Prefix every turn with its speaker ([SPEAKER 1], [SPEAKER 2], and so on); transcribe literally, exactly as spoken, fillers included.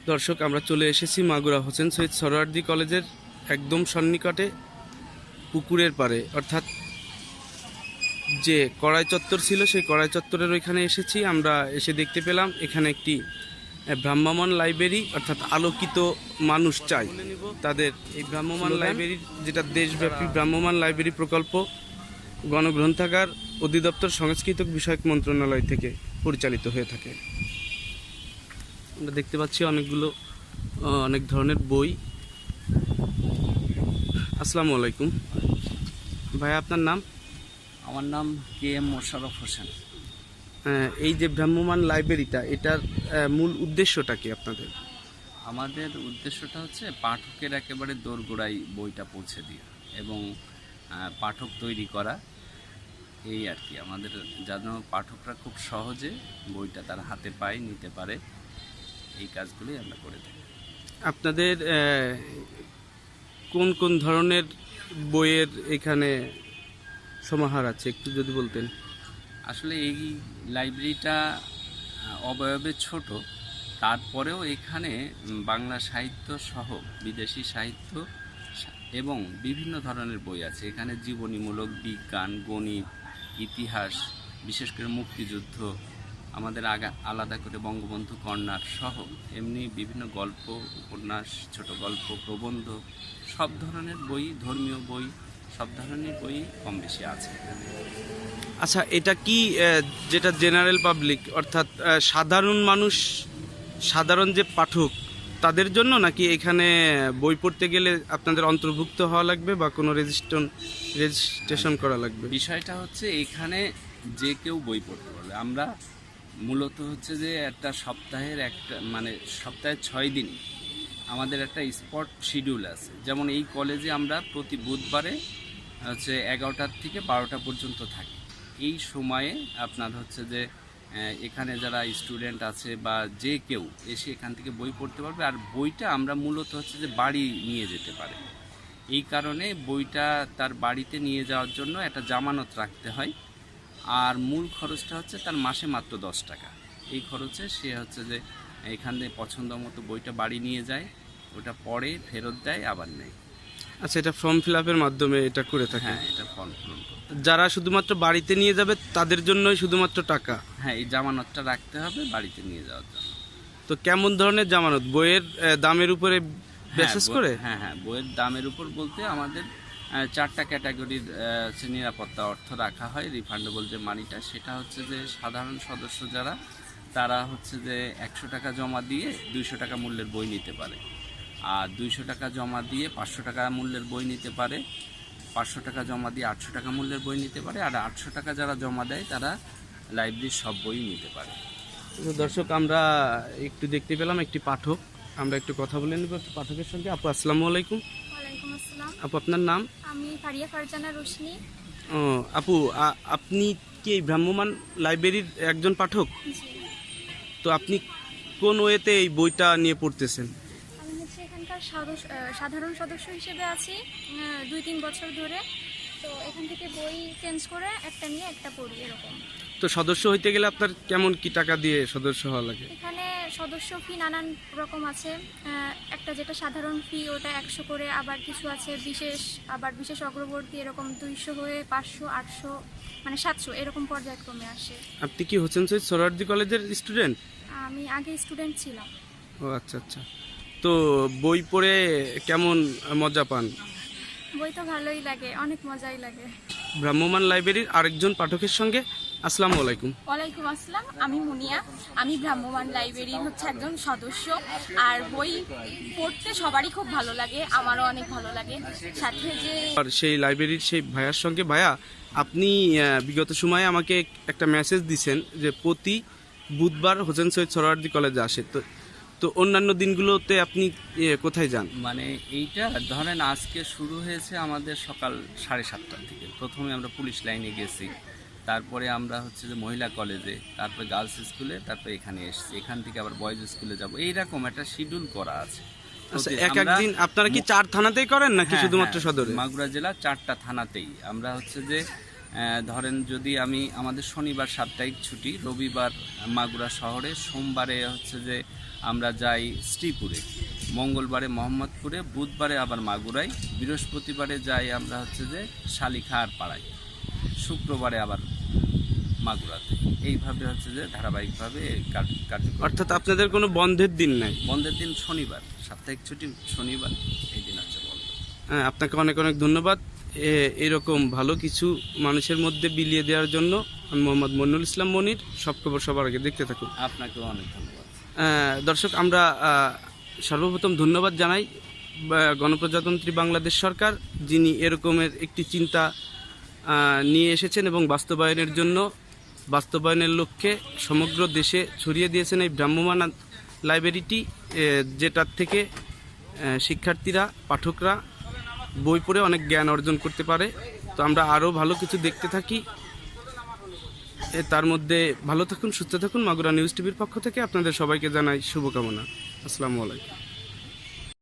[SPEAKER 1] দর্শক, আমরা চলে এসেছি মাগুরা হোসেন শহীদ সরোয়ার্দী কলেজের একদম সন্নিকটে পুকুরের পাড়ে, অর্থাৎ যে কড়াই চত্বর ছিল সেই কড়াই চত্বরের ওইখানে এসেছি। আমরা এসে দেখতে পেলাম এখানে একটি ভ্রাম্যমাণ লাইব্রেরি, অর্থাৎ আলোকিত মানুষ চাই তাদের এই ভ্রাম্যমাণ লাইব্রেরির, যেটা দেশব্যাপী ভ্রাম্যমাণ লাইব্রেরি প্রকল্প গণগ্রন্থাগার অধিদপ্তর সংস্কৃত বিষয়ক মন্ত্রণালয় থেকে পরিচালিত হয়ে থাকে। আমরা দেখতে পাচ্ছি অনেকগুলো অনেক ধরনের বই। আসসালামু আলাইকুম ভাই, আপনার নাম?
[SPEAKER 2] আমার নাম কে এম মোশাররফ হোসেন।
[SPEAKER 1] এই যে ভ্রাম্যমাণ লাইব্রেরিটা, এটার মূল উদ্দেশ্যটা কি আপনাদের?
[SPEAKER 2] আমাদের উদ্দেশ্যটা হচ্ছে পাঠকের একেবারে দোরগোড়ায় বইটা পৌঁছে দেওয়া এবং পাঠক তৈরি করা, এই আর কি। আমাদের যেন পাঠকরা খুব সহজে বইটা তার হাতে পায়, নিতে পারে, এই কাজগুলি আমরা করে থাকি।
[SPEAKER 1] আপনাদের কোন কোন ধরনের বইয়ের এখানে সমাহার আছে, একটু যদি বলতেন।
[SPEAKER 2] আসলে এই লাইব্রেরিটা অবয়বে ছোট, তারপরেও এখানে বাংলা সাহিত্য সহ বিদেশি সাহিত্য এবং বিভিন্ন ধরনের বই আছে। এখানে জীবনীমূলক, বিজ্ঞান, গণিত, ইতিহাস, বিশেষ করে মুক্তিযুদ্ধ, আমাদের আগা আলাদা করে বঙ্গবন্ধু কর্নার সহ এমনি বিভিন্ন গল্প, উপন্যাস, ছোট গল্প, প্রবন্ধ, সব ধরনের বই, ধর্মীয় বই, সব ধরনের বই কম বেশি আছে।
[SPEAKER 1] আচ্ছা, এটা কি যেটা জেনারেল পাবলিক, অর্থাৎ সাধারণ মানুষ, সাধারণ যে পাঠক তাদের জন্য, নাকি এখানে বই পড়তে গেলে আপনাদের অন্তর্ভুক্ত হওয়া লাগবে বা কোনো রেজিস্ট্রেশন রেজিস্ট্রেশন করা লাগবে?
[SPEAKER 2] বিষয়টা হচ্ছে এখানে যে কেউ বই পড়তে পারবে। আমরা মূলত হচ্ছে যে একটা সপ্তাহের একটা মানে সপ্তাহে ছয় দিন আমাদের একটা স্পট শিডিউল আছে। যেমন এই কলেজে আমরা প্রতি বুধবারে হচ্ছে এগারোটার থেকে বারোটা পর্যন্ত থাকি। এই সময়ে আপনার হচ্ছে যে এখানে যারা স্টুডেন্ট আছে বা যে কেউ এসে এখান থেকে বই পড়তে পারবে। আর বইটা আমরা মূলত হচ্ছে যে বাড়ি নিয়ে যেতে পারে, এই কারণে বইটা তার বাড়িতে নিয়ে যাওয়ার জন্য একটা জামানত রাখতে হয়। আর মূল খরচটা হচ্ছে তার মাসে মাত্র দশ টাকা। এই খরচে সে হচ্ছে যে এখান থেকে পছন্দ মতো বইটা বাড়ি নিয়ে যায়, ওটা পড়ে, ফেরত দেয়, আবার নেয়।
[SPEAKER 1] আচ্ছা, এটা ফর্ম ফিল আপের মাধ্যমে এটা করে থাকে?
[SPEAKER 2] হ্যাঁ, এটা ফর্ম পূরণ করতে।
[SPEAKER 1] যারা শুধুমাত্র বাড়িতে নিয়ে যাবে তাদের জন্যই শুধুমাত্র টাকা?
[SPEAKER 2] হ্যাঁ, এই জামানতটা রাখতে হবে বাড়িতে নিয়ে যাওয়ার জন্য।
[SPEAKER 1] তো কেমন ধরনের জামানত? বইয়ের দামের উপরে বিশেষ করে?
[SPEAKER 2] হ্যাঁ হ্যাঁ বইয়ের দামের উপর বলতে আমাদের চারটা ক্যাটাগরির নিরাপত্তা অর্থ রাখা হয়। রিফান্ডেবল যে মানিটা, সেটা হচ্ছে যে সাধারণ সদস্য যারা, তারা হচ্ছে যে একশো টাকা জমা দিয়ে দুইশো টাকা মূল্যের বই নিতে পারে। আর দুইশো টাকা জমা দিয়ে পাঁচশো টাকা মূল্যের বই নিতে পারে। পাঁচশো টাকা জমা দিয়ে আটশো টাকা মূল্যের বই নিতে পারে। আর আটশো টাকা যারা জমা দেয় তারা লাইব্রেরির সব বই নিতে পারে।
[SPEAKER 1] দর্শক, আমরা একটু দেখতে পেলাম একটি পাঠক, আমরা একটু কথা বলে নেব পাঠকের সঙ্গে। আপু, আসসালামু আলাইকুম।
[SPEAKER 3] ওয়ালাইকুম আসসালাম।
[SPEAKER 1] আপু, আপনার নাম?
[SPEAKER 3] আমি ফারিয়া ফারজানা রোশনি।
[SPEAKER 1] ও আপু, আপনি কি এই ভ্রাম্যমাণ লাইব্রেরির একজন পাঠক? তো আপনি কোন ওয়েতে এই বইটা নিয়ে পড়তেছেন?
[SPEAKER 3] আমি হচ্ছে এখানকার সাধারণ সদস্য হিসেবে আছি দুই তিন বছর ধরে। তো এখান থেকে বই চেঞ্জ করে একটা নিয়ে একটা পড়ি, এরকম।
[SPEAKER 1] তো সদস্য হইতে গেলে আপনার কেমন কি টাকা দিয়ে সদস্য হওয়া লাগে?
[SPEAKER 3] এখানে সদস্য ফি নানান রকম আছে। একটা যেটা সাধারণ ফি, ওটা একশো করে। আবার কিছু আছে বিশেষ, আবার বিশেষ অগ্রবর্তী, এরকম দুইশো হয়ে পাঁচশো, আটশো, মানে সাতশো, এরকম পর্যায়ক্রমে আসে।
[SPEAKER 1] আপনি কি হোসেন শহীদ সোহরাওয়ার্দী কলেজের স্টুডেন্ট?
[SPEAKER 3] আমি আগে স্টুডেন্ট ছিলাম।
[SPEAKER 1] ও আচ্ছা আচ্ছা। তো বই পড়ে কেমন মজা পান?
[SPEAKER 3] বই তো ভালোই লাগে, অনেক মজাই লাগে।
[SPEAKER 1] ভ্রাম্যমাণ লাইব্রেরির আরেকজন পাঠকের সঙ্গে। আসসালামু আলাইকুম।
[SPEAKER 4] ওয়ালাইকুম আসসালাম, আমি মুনিয়া। আমি ভ্রাম্যমাণ লাইব্রেরির হচ্ছে একজন সদস্য। আর বই পড়তে সবারই খুব ভালো লাগে, আমারও অনেক ভালো লাগে। সাথে যে
[SPEAKER 1] আর সেই লাইব্রেরির সেই ভাইয়ার সঙ্গে, ভাইয়া আপনি বিগত সময়ে আমাকে একটা মেসেজ দিয়েছেন যে প্রতি বুধবার হোসেন শহীদ সোহরাওয়ার্দী কলেজে আসে। তো তো অন্যান্য দিনগুলোতে আপনি কোথায় যান?
[SPEAKER 2] মানে এইটা ধরেন আজকে শুরু হয়েছে আমাদের সকাল সাড়ে সাতটার থেকে। প্রথমে আমরা পুলিশ লাইনে গেছি, তারপরে আমরা হচ্ছে যে মহিলা কলেজে, তারপরে গার্লস স্কুলে, তারপরে এখানে এসেছি। এখান থেকে আবার বয়েজ স্কুলে যাব, এইরকম একটা শিডিউল করা আছে।
[SPEAKER 1] আচ্ছা, এক একদিন আপনারা কি চার থানাতেই করেন নাকি শুধুমাত্র সদরে?
[SPEAKER 2] মাগুরা জেলা চারটা থানাতেই আমরা হচ্ছে যে আহ, ধরেন যদি আমি আমাদের শনিবার সাপ্তাহিক ছুটি, রবিবার মাগুরা শহরে, সোমবারে হচ্ছে যে আমরা যাই শ্রীপুরে, মঙ্গলবারে মোহাম্মদপুরে, বুধবারে আবার মাগুরায়, বৃহস্পতিবারে যাই আমরা হচ্ছে যে শালিখা আর পাড়ায়, শুক্রবারে আবার মাগুরাতে। এইভাবে হচ্ছে যে ধারাবাহিকভাবে কার্য- কার্যক্রম।
[SPEAKER 1] অর্থাৎ আপনাদের কোনো বন্ধের দিন নাই।
[SPEAKER 2] বন্ধের দিন শনিবার, সাপ্তাহিক ছুটি শনিবার, এই দিন হচ্ছে বন্ধ।
[SPEAKER 1] হ্যাঁ, আপনাকে অনেক অনেক ধন্যবাদ এ- এরকম ভালো কিছু মানুষের মধ্যে বিলিয়ে দেওয়ার জন্য। আমি মোহাম্মদ মনিরুল ইসলাম মনির, সব খবর সবার আগে দেখতে থাকুন।
[SPEAKER 2] আপনাকেও অনেক ধন্যবাদ।
[SPEAKER 1] আহ, দর্শক, আমরা আহ, সর্বপ্রথম ধন্যবাদ জানাই বা, গণপ্রজাতন্ত্রী বাংলাদেশ সরকার, যিনি এরকমের একটি চিন্তা আহ, নিয়ে এসেছেন এবং বাস্তবায়নের জন্য বাস্তবায়নের লক্ষ্যে সমগ্র দেশে ছড়িয়ে দিয়েছেন এই ভ্রাম্যমাণ লাইব্রেরিটি, এ, যেটার থেকে আহ, শিক্ষার্থীরা, পাঠকরা বই পড়ে অনেক জ্ঞান অর্জন করতে পারে। তো আমরা আরও ভালো কিছু দেখতে থাকি। এ, তার মধ্যে ভালো থাকুন, সুস্থ থাকুন। মাগুরা নিউজ টিভির পক্ষ থেকে আপনাদের সবাইকে জানাই শুভকামনা। আসসালামু আলাইকুম।